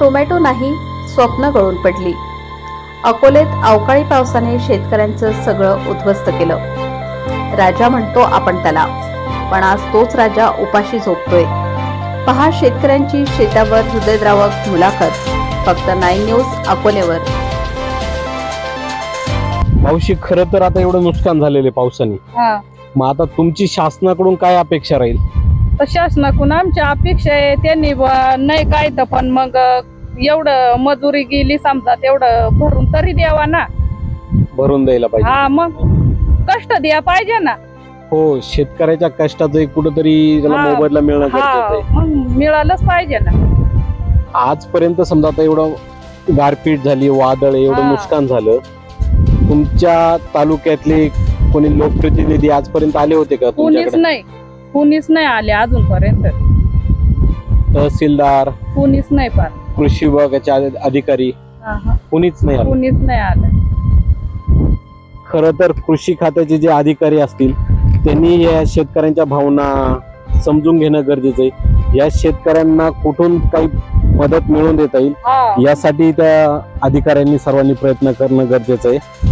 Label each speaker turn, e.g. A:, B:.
A: Tomato नाही, स्वप्न गळून पडली. अकोलेत अवकाळी पावसाने शेतकऱ्यांचं सगळं उद्ध्वस्त केलं. राजा म्हणतो आपण त्याला, पण आज तोच राजा उपाशी झोपतोय. पहा शेतकऱ्यांची शेतावर हृदयद्रावक मुलाखत, फक्त 9 न्यूज अकोलेवर.
B: मावशी, खरं तर आता एवढं नुकसान झालेलं आहे पावसाने. मग आता तुमची शासनाकडून काय अपेक्षा राहील?
C: तर शासनाकडून आमच्या अपेक्षा आहे त्यांनी नाही काय तर पण मग एवढं मजुरी गेली समजा तेवढं भरून तरी द्यावा ना.
B: भरून द्यायला पाहिजे.
C: हा, मग कष्ट द्या पाहिजे ना.
B: हो, शेतकऱ्याच्या कष्टाचं कुठंतरी त्याला
C: हा,
B: मोबदला मिळणं गरजेचं आहे.
C: मग मिळालंच पाहिजे ना.
B: आजपर्यंत समजा आता एवढं गारपीट झाली, वादळ, एवढं नुकसान झालं, तुमच्या तालुक्यातले कोणी लोकप्रतिनिधी आजपर्यंत आले होते का तुमच्याकडे?
C: कुणीच नाही आले अजूनपर्यंत.
B: तहसीलदार,
C: कुणीच नाही पार.
B: कृषी विभागाचे अधिकारी, कुणीच नाही आले.
C: कुणीच नाही आलं.
B: खरं तर कृषी खात्याचे जे अधिकारी असतील त्यांनी या शेतकऱ्यांच्या भावना समजून घेणं गरजेचं आहे. या शेतकऱ्यांना कुठून काही मदत मिळवून देता येईल यासाठी त्या अधिकाऱ्यांनी सर्वांनी प्रयत्न करणं गरजेचं आहे.